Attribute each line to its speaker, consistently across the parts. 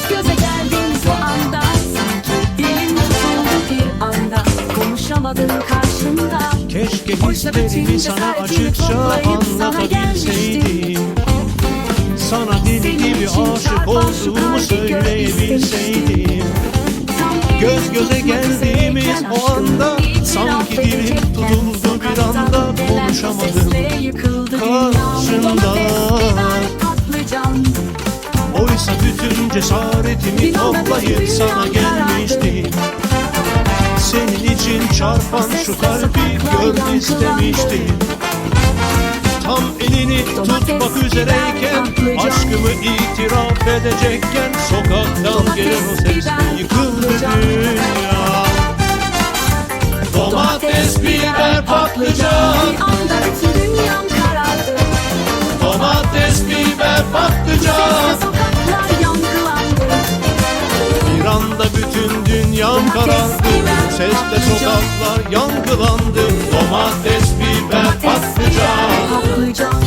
Speaker 1: göze geldiğimiz o anda sanki dilin tutuldu bir anda, konuşamadın karşında.
Speaker 2: Keşke hislerimi sana açıkça anlatabilseydim. Sana deli gibi aşık olduğumu söyleyebilseydim. Göz göze geldiğimiz o anda sanki dilim tutuldu bir anda, konuşamadım karşında. Oysa bütün cesaretimi toplayıp sana gelmiştim. Senin için çarpan şu kalbi gör istemiştim. Tam elini tutmak üzereyken, aşkımı itiraf edecekken, sokaktan gelen o ses yıkıldı dünya. Domates, biber, patlıcan,
Speaker 1: bir anda bütün dünyam karardı.
Speaker 2: domates, biber, patlıcan.
Speaker 1: Sesle sokaklar yankılandı.
Speaker 2: Bir anda bütün dünyam karardı, sesle sokaklar yankılandı. Domates, biber, patlıcan.
Speaker 1: Patlıcan.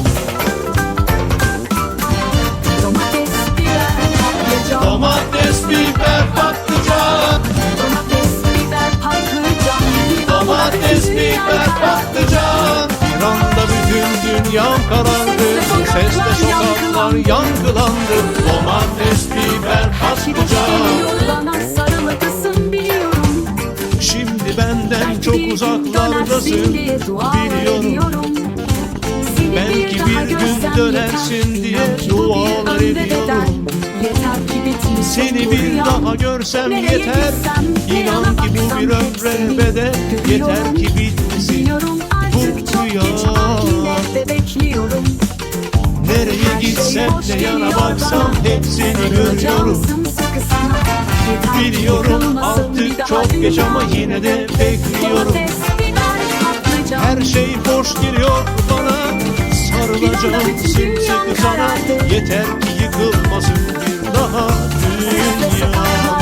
Speaker 1: Domates, biber, patlıcan.
Speaker 2: Domates, biber, patlıcan.
Speaker 1: Domates, biber, patlıcan.
Speaker 2: Domates, biber, patlıcan. Bir anda bütün dünyam karardı, sesle sokaklar yankılandı. Domates, biber, patlıcan.
Speaker 1: Bana sarılıklısın biliyorum.
Speaker 2: Şimdi benden çok uzaklardasın biliyorum. Belki bir gün dönersin diye dualar ediyorum. Seni bir daha görsem yeter, İnan ki bu bir ömre bedel. Yeter ki bitmesin bu rüya. Nereye gitsem ne yana baksam hep seni görüyorum. Biliyorum artık çok geç ama yine de bekliyorum. Her şey boş geliyor bana, sarılacağım sımsıkı sana. Yeter ki yıkılmasın bir daha dünya.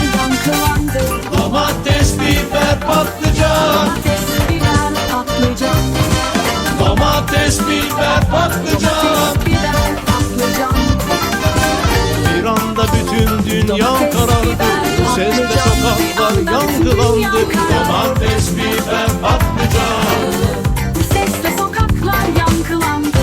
Speaker 2: Domates, biber, patlıcan. Domates, biber, patlıcan. Bir anda bütün dünyam karardı, sesle sokaklar yankılandı. Domates, biber, patlıcan.
Speaker 1: Sesle sokaklar yankılandı.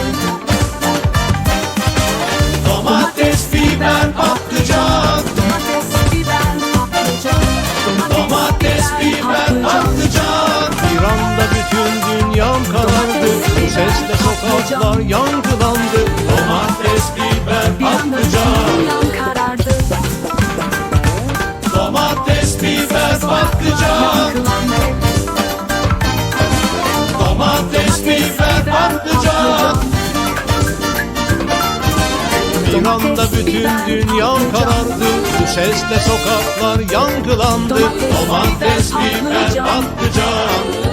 Speaker 2: Domates, biber, patlıcan.
Speaker 1: Domates, biber, patlıcan.
Speaker 2: Domates, biber, patlıcan. Bir anda bütün dünyam karardı, sesle sokaklar yankılandı. Domates, biber, patlıcan. Domates, biber, patlıcan. Domates, biber, patlıcan. Bir anda bütün dünyam karardı, sesle sokaklar yankılandı. Domates, biber, patlıcan.